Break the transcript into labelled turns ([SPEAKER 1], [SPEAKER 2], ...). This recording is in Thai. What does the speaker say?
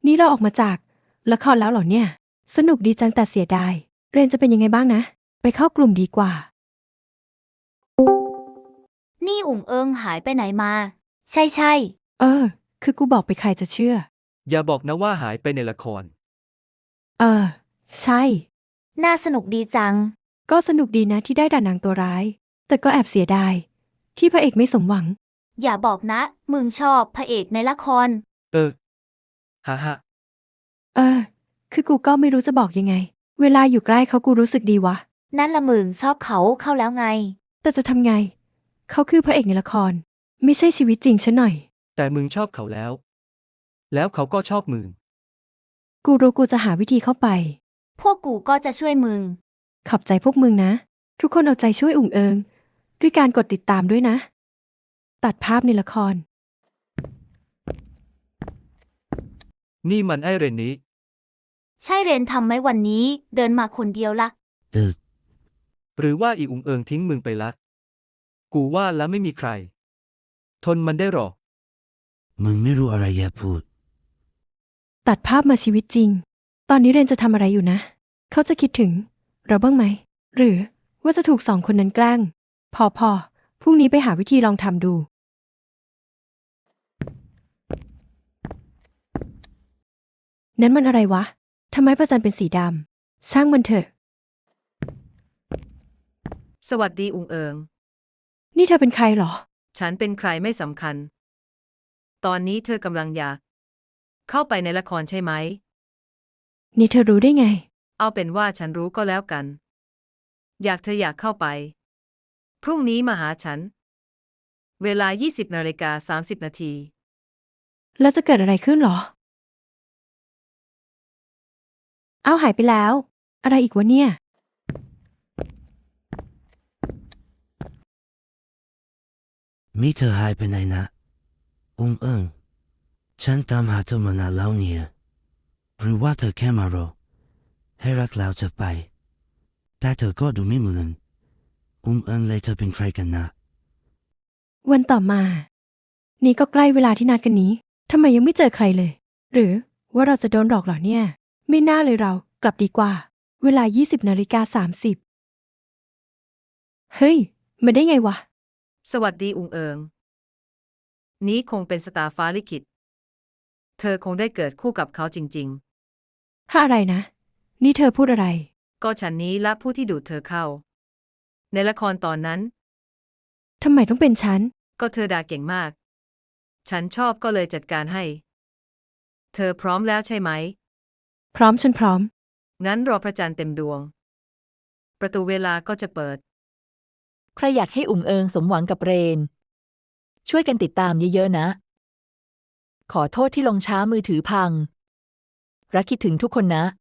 [SPEAKER 1] นี่เราออกมาจากละครแล้วเหรอเนี่ย สนุกดีจังแต่เสียดายเรนจะเป็นยังไงบ้างนะ ไปเข้ากลุ่มดีกว่า
[SPEAKER 2] นี่อุ๋งเอิงหายไปไหนมา ใช่
[SPEAKER 1] คือกูบอกไปใครจะเชื่อ
[SPEAKER 3] อย่าบอกนะว่าหายไปในละคร
[SPEAKER 1] ใช่
[SPEAKER 2] น่าสนุกดีจัง
[SPEAKER 1] ก็สนุกดีนะที่ได้ด่านางตัวร้าย แต่ก็แอบเสียดายที่พระเอกไม่สมหวัง
[SPEAKER 2] อย่าบอกนะ มึงชอบพระเอกในละคร
[SPEAKER 3] ฮ่าฮ่า
[SPEAKER 1] คือกูก็ไม่รู้จะบอกยังไง เวลาอยู่ใกล้เขากูรู้สึกดีวะ
[SPEAKER 2] นั่นละมึงชอบเขาเข้าแล้วไง
[SPEAKER 1] แต่จะทำไง เขาคือพระเอกในละคร ไม่ใช่ชีวิตจริงฉันหน่อย
[SPEAKER 3] แต่มึงชอบเขาแล้ว แล้วเขาก็ชอบมึง
[SPEAKER 1] กูรู้กูจะหาวิธีเข้าไป
[SPEAKER 2] พวกกูก็จะช่วยมึง
[SPEAKER 1] ขอบใจพวกมึงนะ ทุกคนเอาใจช่วยอุ่งเอิง ด้วยการกดติดตามด้วยนะ ตัดภาพในละคร
[SPEAKER 3] นี่มันไอเรนนี้
[SPEAKER 2] ใช่เรนทำไหมวันนี้เดินมาคนเดียวละ
[SPEAKER 3] หรือว่าอีอุงเอิงทิ้งมึงไปละ กูว่าแล้วไม่มีใคร ทนมันได้หรอก
[SPEAKER 4] มึงไม่รู้อะไรอย่าพูด
[SPEAKER 1] ตัดภาพมาชีวิตจริง ตอนนี้เรนจะทำอะไรอยู่นะ เขาจะคิดถึงเราบ้างไหม หรือว่าจะถูกสองคนนั้นแกล้ง พอพรุ่งนี้ไปหาวิธีลองทำดู นั้นมันอะไรวะ ทำไมพระจันทร์เป็นสีดำ ช่างมันเถอะ
[SPEAKER 5] สวัสดีอุงเอิง
[SPEAKER 1] นี่เธอเป็นใครเหรอ
[SPEAKER 5] ฉันเป็นใครไม่สำคัญ ตอนนี้เธอกำลังอยากเข้าไปในละครใช่ไหม
[SPEAKER 1] นี่เธอรู้ได้ไง
[SPEAKER 5] เอาเป็นว่าฉันรู้ก็แล้วกัน เธออยากเข้าไป พรุ่งนี้มาหาฉัน เวลา 20:30 นาที
[SPEAKER 1] แล้วจะเกิดอะไรขึ้นเหรอ อ้าวหายไปแล้ว อะไรอีกวะเนี่ย
[SPEAKER 4] มีเธอหายไปไหนนะเอิงฉันตามหาเธอมานานแล้วเนี่ยหรือว่าเธอแค่มารอให้รักแล้วจะไป แต่เธอก็ดูไม่เหมือนเอิงเลยเธอเป็นใครกันนะ
[SPEAKER 1] วันต่อมา นี่ก็ใกล้เวลาที่นัดกันนี้ ทำไมยังไม่เจอใครเลย หรือว่าเราจะโดนหลอกเหรอเนี่ย ไม่น่าเลยเรา กลับดีกว่า เวลา 20:30 เฮ้ย มาได้ไงวะ
[SPEAKER 5] สวัสดีอุงเอิง นี้คงเป็นสตาร์ฟ้าลิขิต เธอคงได้เกิดคู่กับเขาจริง
[SPEAKER 1] ถ้าอะไรนะ นี่เธอพูดอะไร
[SPEAKER 5] ๆ ก็ฉันนี้ละผู้ที่ดูดเธอเข้า ในละครตอนนั้น
[SPEAKER 1] ทำไมต้องเป็นฉัน
[SPEAKER 5] ก็เธอด่าเก่งมาก ฉันชอบก็เลยจัดการให้ เธอพร้อมแล้วใช่ไหม
[SPEAKER 1] พร้อมฉันพร้อม
[SPEAKER 5] งั้นรอพระจันทร์เต็มดวง ประตูเวลาก็จะเปิด
[SPEAKER 6] ใครอยากให้อุ๋งเอิงสมหวังกับเรน ช่วยกันติดตามเยอะๆนะ ขอโทษที่ลงช้ามือถือพัง รักคิดถึงทุกคนนะ